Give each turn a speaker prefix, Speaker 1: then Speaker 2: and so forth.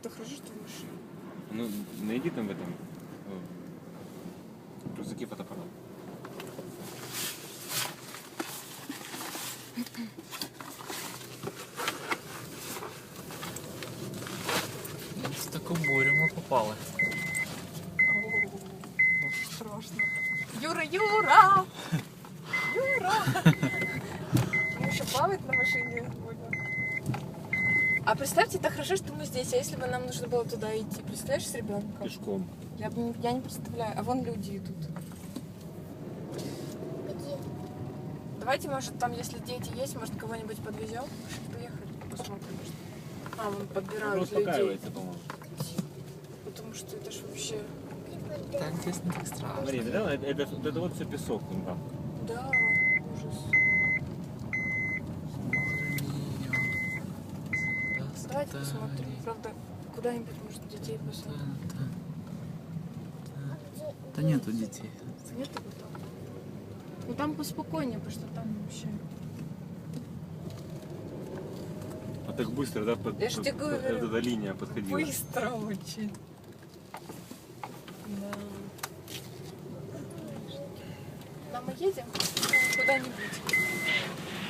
Speaker 1: Это хорошо, что в машине.
Speaker 2: Ну, найди там в этом в рюкзаке фотоаппарат.
Speaker 3: В такую бурю мы попали.
Speaker 1: Страшно. Юра, Юра! Юра! Мы еще плавать на машине будем. А представьте, это хорошо, что мы здесь. А если бы нам нужно было туда идти? Представляешь, с ребенком?
Speaker 2: Пешком.
Speaker 1: Я не представляю. А вон люди идут.
Speaker 4: Где?
Speaker 1: Давайте, может, там, если дети есть, может, кого-нибудь подвезем? Поехали, посмотрим. Что... А, вон подбирают людей.
Speaker 2: Успокаивается, по-моему.
Speaker 1: Потому что это ж вообще...
Speaker 3: Так здесь не так страшно.
Speaker 2: Смотри, это вот все песок вон там.
Speaker 1: Да, ужас. Давайте посмотрим. Правда, куда-нибудь, может, детей посмотрим.
Speaker 3: Да нету детей.
Speaker 1: Нет его там? Ну там поспокойнее, потому что там вообще...
Speaker 2: А так быстро, да,
Speaker 1: Я ж тебе говорю.
Speaker 2: эта линия подходила.
Speaker 1: Быстро очень. Да. Да, мы едем куда-нибудь.